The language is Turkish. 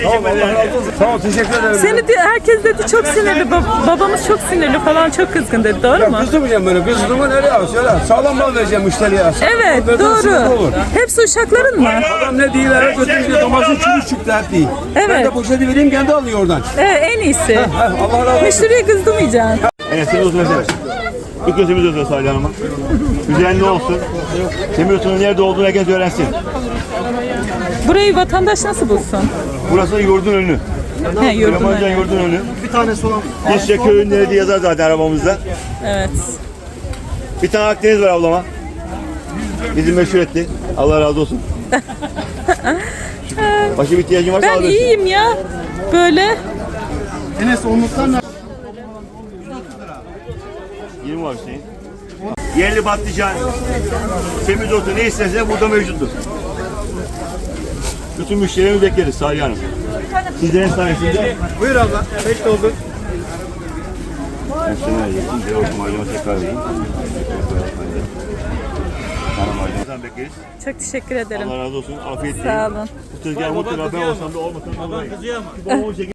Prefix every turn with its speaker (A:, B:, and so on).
A: Tamam, Allah razı olsun. Sağ ol, teşekkür ederim.
B: Seni diyor, herkes dedi çok sinirli. Babamız çok sinirli falan, çok kızgın dedi. Doğru mu?
A: Kızdımayacağım böyle. Kızdığımı nereye al? Söyle. Sağlam mal vereceğim müşteriye.
B: Evet, doğru. Hepsi uşakların mı?
A: Adam ne değil, her götürünce domatesin çürük çıktı hep değil.
B: Evet.
A: Ben de poşeti vereyim, kendi alıyor oradan.
B: Evet, en iyisi.
A: Allah razı olsun.
B: Müşteriye kızdırmayacaksın.
C: Evet, seni olsun mesela. İlk gözümüz olsun Salih Hanım'a. Düzenli olsun. Semiyotunun nerede olduğunu herkes öğrensin.
B: Burayı vatandaş nasıl bulsun?
C: Burası yurdun önü.
B: He, yurdum
C: Ramazan
B: önü.
C: yurdun önü. Bir tanesi olan. Geçecek köyün nerede yazar zaten arabamızda.
B: Evet.
C: Bir tane Akdeniz var ablama. Bizi meşhur etti. Allah razı olsun. Başka bir ihtiyacın varsa
B: Ben
C: alabilirsin.
B: iyiyim ya. Böyle.
D: Enes onluktan ne?
C: 20 var Hüseyin. Yerli patlıcan, semizotu ne istersen burada mevcuttur. Bütün müşterilerimizi bekleriz Salih Hanım. Sizlerin sayesinde.
D: Buyur abla. 5 doldu.
C: Ben şunu vereyim. Bir okuma aileme tekrar vereyim. Tamam aileme bekleriz.
B: Çok teşekkür ederim.
C: Allah razı olsun. Afiyet
B: Sağ olun.
C: Bu tezgah mutlaka ben olsam da olmasam da olayım.